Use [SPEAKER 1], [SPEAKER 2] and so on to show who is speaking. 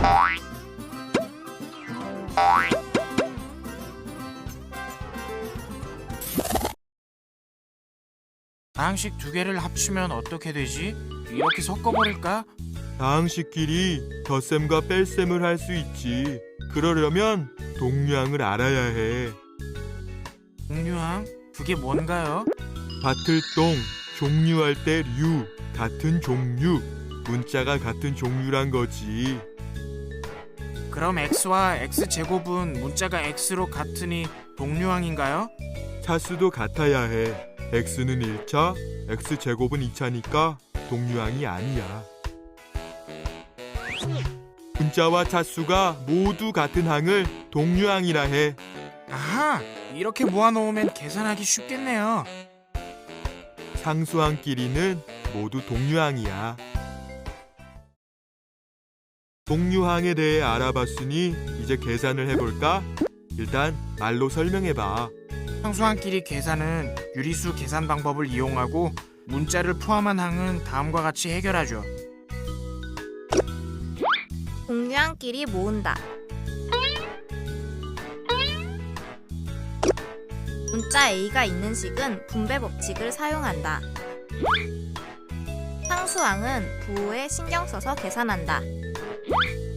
[SPEAKER 1] 다항식 두 개를 합치면 어떻게 되지? 이렇게 섞어버릴까?
[SPEAKER 2] 다항식끼리 덧셈과 뺄셈을 할 수 있지. 그러려면 동류항을 알아야 해.
[SPEAKER 1] 동류항? 그게 뭔가요?
[SPEAKER 2] 밭을 똥, 종류할 때 류, 같은 종류. 문자가 같은 종류란 거지.
[SPEAKER 1] 그럼 x와 x제곱은 문자가 x로 같으니 동류항인가요?
[SPEAKER 2] 차수도 같아야 해. x는 1차, x제곱은 2차니까 동류항이 아니야. 문자와 차수가 모두 같은 항을 동류항이라 해.
[SPEAKER 1] 아하! 이렇게 모아놓으면 계산하기 쉽겠네요.
[SPEAKER 2] 상수항끼리는 모두 동류항이야. 동류항에 대해 알아봤으니 이제 계산을 해볼까? 일단 말로 설명해봐.
[SPEAKER 1] 상수항끼리 계산은 유리수 계산 방법을 이용하고 문자를 포함한 항은 다음과 같이 해결하죠.
[SPEAKER 3] 동류항끼리 모은다. 문자 A가 있는 식은 분배 법칙을 사용한다. 상수항은 부호에 신경 써서 계산한다.